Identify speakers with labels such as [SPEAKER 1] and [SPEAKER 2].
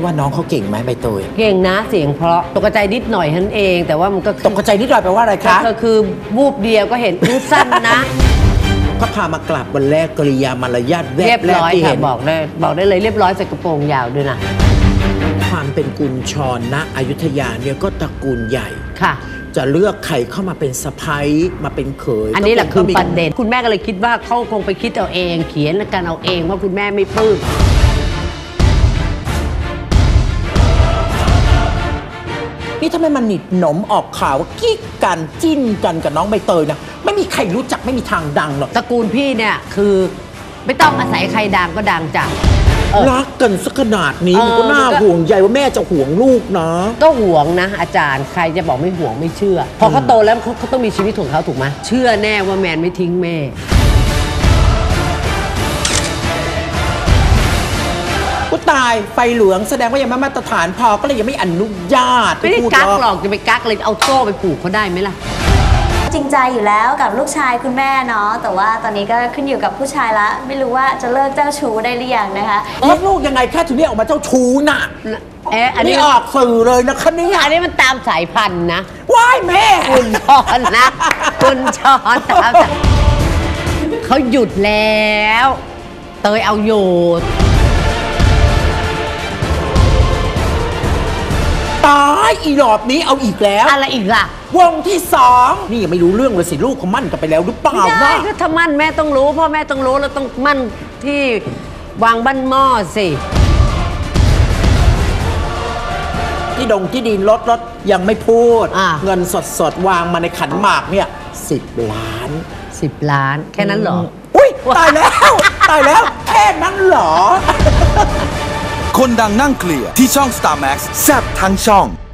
[SPEAKER 1] ว่าน้องเขาเก่งไหมใบเตย
[SPEAKER 2] เก่งนะเสียงเพราะตกใจนิดหน่อยท่านเองแต่ว่ามันก็
[SPEAKER 1] ตกใจนิดหน่อยแปลว่าอะไรคะ
[SPEAKER 2] ก็คือวูบเดียวก็เห็นสั้นนะ
[SPEAKER 1] ก็พามากราบวันแรกกริยามารยาทแว
[SPEAKER 2] เรีย
[SPEAKER 1] บบ แรก
[SPEAKER 2] ร้อย
[SPEAKER 1] ที่
[SPEAKER 2] ค่ะ
[SPEAKER 1] เห็น
[SPEAKER 2] บอกได้เลยเรียบร้อยใส่กระโปรงยาวด้วยนะ
[SPEAKER 1] ความเป็นกุญชรณอยุธยาเนี่ยก็ตระกูลใหญ่
[SPEAKER 2] ค่ะ
[SPEAKER 1] จะเลือกใครเข้ามาเป็นสะใภ้มาเป็นเขย
[SPEAKER 2] อันนี้แหละคือประเด็นคุณแม่ก็เลยคิดว่าเขาคงไปคิดเอาเองเขียนกันเอาเองว่าคุณแม่ไม่ปลื้ม
[SPEAKER 1] นี่ถ้าไม่มันหนิดหนมออกข่าวว่ากิ๊กกันจิ้นกันกับน้องใบเตยนะไม่มีใครรู้จักไม่มีทางดังหรอก
[SPEAKER 2] ตระกูลพี่เนี่ยคือไม่ต้องอาศัยใครดังก็ดังจ้ะ
[SPEAKER 1] รักกันสักขนาดนี้มันก็น่าห่วงใยว่าแม่จะห่วงลูกนะ
[SPEAKER 2] ก็ห่วงนะอาจารย์ใครจะบอกไม่ห่วงไม่เชื่อพอเขาโตแล้วเขาต้องมีชีวิตของเขาถูกไหมเชื่อแน่ว่าแมนไม่ทิ้งแม่
[SPEAKER 1] ก็ตายไฟเหลืองแสดงว่ายังไม่มาตรฐานพอก็เลยยังไม่อนุญาต
[SPEAKER 2] ไม่ได้กักหรอกจะไปกักเลยเอาโซ่ไปผูกเขาได้ไหมล่ะ
[SPEAKER 3] จริงใจอยู่แล้วกับลูกชายคุณแม่เนาะแต่ว่าตอนนี้ก็ขึ้นอยู่กับผู้ชายละไม่รู้ว่าจะเลิกเจ้าชู้ได้หรือยังนะคะ
[SPEAKER 1] ลูกยังไงแค่ถึงเรียกออกมาเจ้าชู้น่ะ
[SPEAKER 2] อันนี้
[SPEAKER 1] ออกสื่อเลยนะคะนี่
[SPEAKER 2] อันนี้มันตามสายพันธุ์นะ
[SPEAKER 1] ว้ายแม่
[SPEAKER 2] คุณชอนนะคุณชอนตามเขาหยุดแล้วเตยเอาอยู่
[SPEAKER 1] ตายอีหลอบนี้เอาอีกแล้ว
[SPEAKER 2] อะไรอีกล่ะ
[SPEAKER 1] วงที่2นี่ยังไม่รู้เรื่องเลยสิลูกเขามั่นกันไปแล้วหรือเปล่า
[SPEAKER 2] ไม่ได้ก็ถ้ามั่นแม่ต้องรู้พ่อแม่ต้องรู้แล้วต้องมั่นที่วางบ้านหม้อสิ
[SPEAKER 1] ที่ที่ดินรถยังไม่พูดเงินสดวางมาในขันหมากเนี่ย10 ล้าน
[SPEAKER 2] 10 ล้านแค่นั้นเหรอ
[SPEAKER 1] อุ้ยตายแล้วตายแล้วแค่นั้นเหรอ
[SPEAKER 4] คนดังนั่งเคลียร์ที่ช่อง Star Max แซ่บทั้งช่อง